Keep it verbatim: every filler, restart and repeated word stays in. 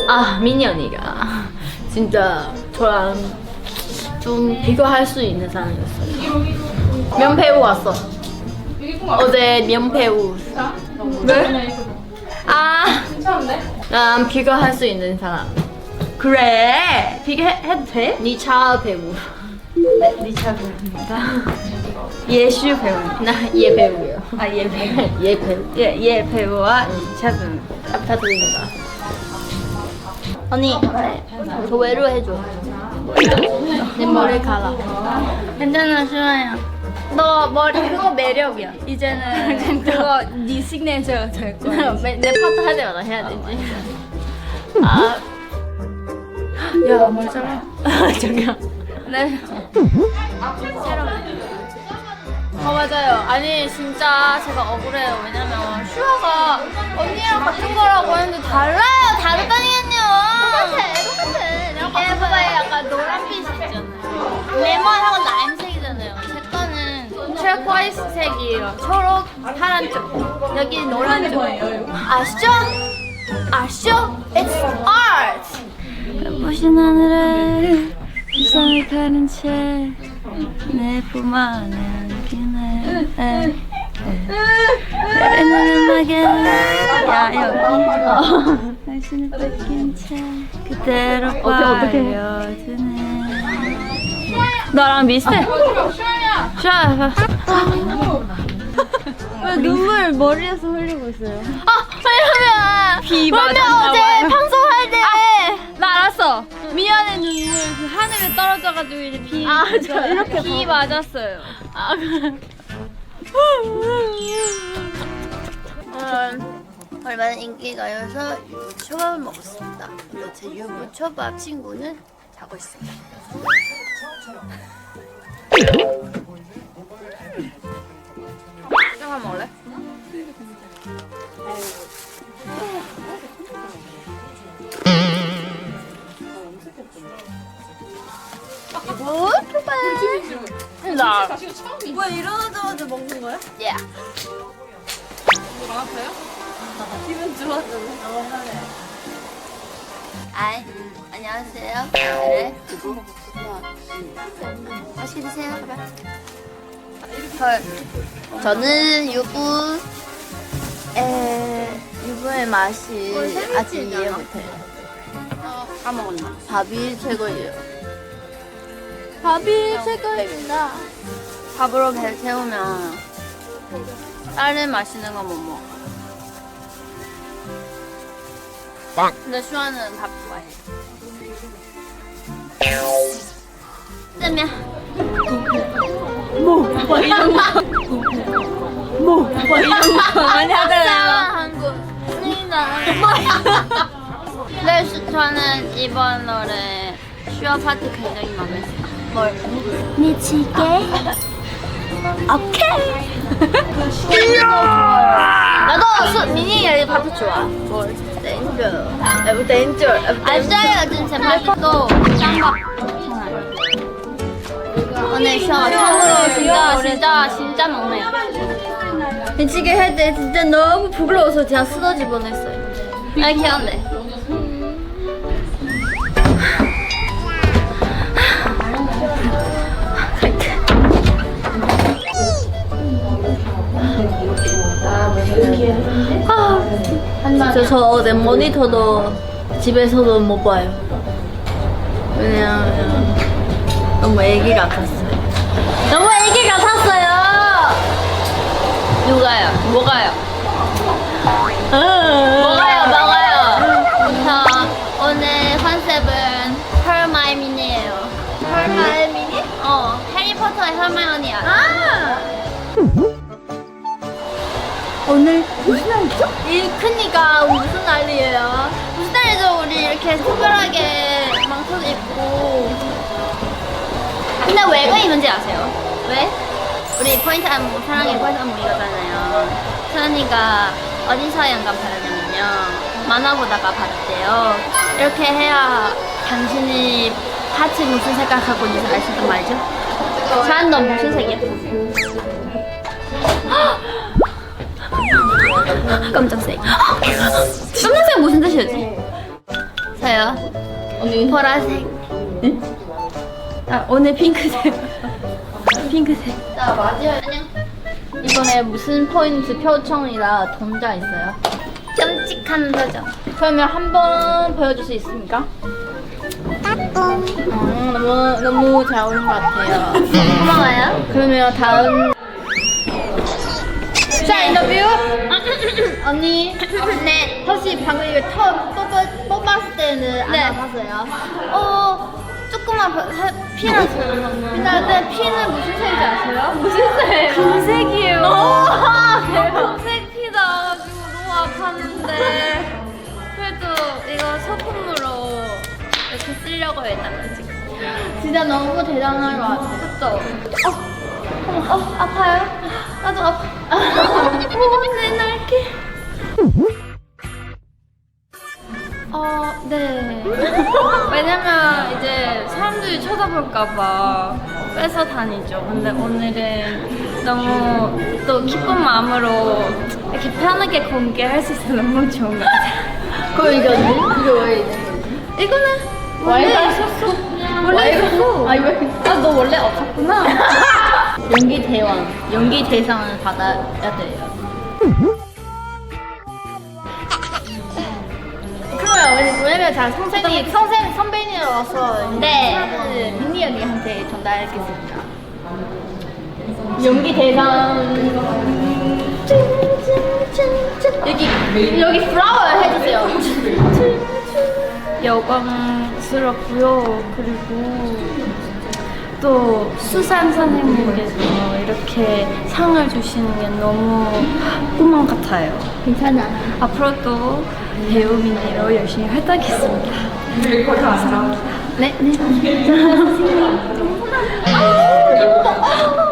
아 미니 언니가 진짜 저랑 좀 비교할 수 있는 사람이었어요. 면배우 왔어. 어제 면배우. 왜? 아, 난 비교할 수 있는 사람. 그래 비교해도 돼? 니차 배우. 네, 니차 배우입니다. 예슈 배우. 나얘 배우예요. 아얘 배우. 얘 배우. 예, 얘 배우와 니차 배우. 부탁드립니다. 언니, 저 외로 해줘. 내 머리 갈아. 괜찮아 슈아야. 너 머리 그거 매력이야. 이제는 그거 네 시그니처가 될 거야. 내, 내 파트 할 때마다 해야 되지. 아, 야 머리 잘라. 저기요. 네. 어 맞아요. 아니 진짜 제가 억울해요. 왜냐면 슈아가 언니랑 같은 거라고 했는데 달라요. 다르다니까요. 똑같아, 똑같아. 얘 봐봐요. 약간 노란빛이 있잖아요. 레몬하고 라임색이잖아요. 제 거는 트레코이스 색이에요. 초록, 파란 쪽. 여기 노란 쪽. 아시죠? 아시죠? It's art. 눈부신 하늘에 세상을 가른 채 내 품 안에 안기네. 내는 음악에 야 여기 당신을 뺏긴 채 그대로 빠져드네. 너랑 비슷해. 슈아 왜 눈물 머리에서 흘리고 있어요? 아 왜냐면 비 왜냐면 맞았나 어제 봐요. 방송할 때. 나 알았어. 미안해 눈물 그 하늘에 떨어져가지고 이제 비 아, 저 이렇게 비 맞았어요. 아 그래. 음, 얼마나 인기가여서 유부초밥을 먹었습니다. 근데 제 유부초밥 친구는 자고 있습니다. 잠깐 먹을래? 뭐? 초밥. 나. 뭐야 일어나자마자 먹는 거야? 예. 기분 좋았잖아. 아이, 안녕하세요. 그래. 맛있게 드세요. 헐. 저는 유부, 에, 유부의 맛이 아직 이해 못해요. 까먹었나? 밥이 최고예요. 밥이 최고입니다. 밥으로 배 채우면 다른 맛있는 거 못 먹어. 빵. 근데 슈아는 밥 좋아해. 뜨면 뭐 이런 거. 뭐 이런 거 많이 하잖아요. 한국 스니다. 네, 슈- 저는 이번 노래 슈아 파트 굉장히 마음에 들어요. 뭘? 미치게. 오케이. 나도 수, 미니 의 파트 좋아. 뭘? 댄저. 에브 댄저. 알싸요. 진짜 파트도 짱박. 오늘 슈아가 처음으로 진짜 진짜 진짜 먹네요. 미치게 할 때 진짜 너무 부끄러워서 제가 쓰러질 뻔했어요. 아 귀여운데. 아, 진짜 저 어제 모니터도 집에서도 못 봐요. 왜냐면 너무 애기 같았어요. 너무 애기 같았어요. 누가요? 뭐가요? 뭐가요? 뭐가요? 저 오늘 컨셉은 헐마이미니예요. 헐마이미니? 어, 해리포터의 헐마이오니 알아? 아! 오늘 무슨 날이죠? 이 크니까 무슨 날이에요? 무슨 날이죠? 우리 이렇게 특별하게 망토도 입고. 근데 왜 그입는지 아세요? 왜? 우리 포인트 안무, 사랑의 포인트 안무 이거잖아요. 서연이가 어디서 영감 받았냐면요. 만화 보다가 받았대요. 이렇게 해야 당신이 하트 무슨 색깔 갖고 있는지 알 수 있단 말이죠. 서연 너 무슨 색이야? 깜짝색. 깜짝색 무슨 뜻이었지? 있어요. 언니. 보라색. 아, 오늘 핑크색. 핑크색. 나 맞아요. 안녕. 이번에 무슨 포인트 표정이라 동자 있어요? 끔찍한 표정. 그러면 한번 보여줄 수 있습니까? 음, 너무 너무 잘 어울린 것 같아요. 고마워요. 그러면 다음 자 인터뷰 언니 네. 혹시 방금 이거 처음 뽑았, 뽑았을 때는 안 네. 아팠어요? 어, 조금만 바- 사- 피났어요. 근데 피는 무슨 색인지 아세요? 무슨 색? 금색이에요. 대박. 금색 피 나가지고 너무 아팠는데 그래도 이거 소품으로 이렇게 쓰려고 했다가 지금. 진짜 너무 대단한 것 같아요. 그쵸? 어, 어, 아파요? 나도 아파. 내 날개. 어, 네. 왜냐면 이제 사람들이 쳐다볼까봐 뺏어 다니죠. 근데 오늘은 너무 또 기쁜 마음으로 이렇게 편하게 공개할 수 있어서 너무 좋은 것 같아요. 그럼 이거 이거 왜 있는 거지? 이거는 원래 와이가 있었어. 원래 있었어. 아 이거 아 너 원래 없었구나. 연기 대왕, 연기 대상을 받아야 돼요. 그러면 왜냐면 자 선생님 선생 선배님으로서 네. 민니 언니한테 전달하겠습니다. 연기 대상 여기 여기 플라워 해주세요. 영광스럽고요. 그리고 또 수산 선생님께서 이렇게 상을 주시는 게 너무 꿈만 같아요. 괜찮아. 앞으로도 배우 민니로 열심히 활동하겠습니다. 감사합니다. 네, 네.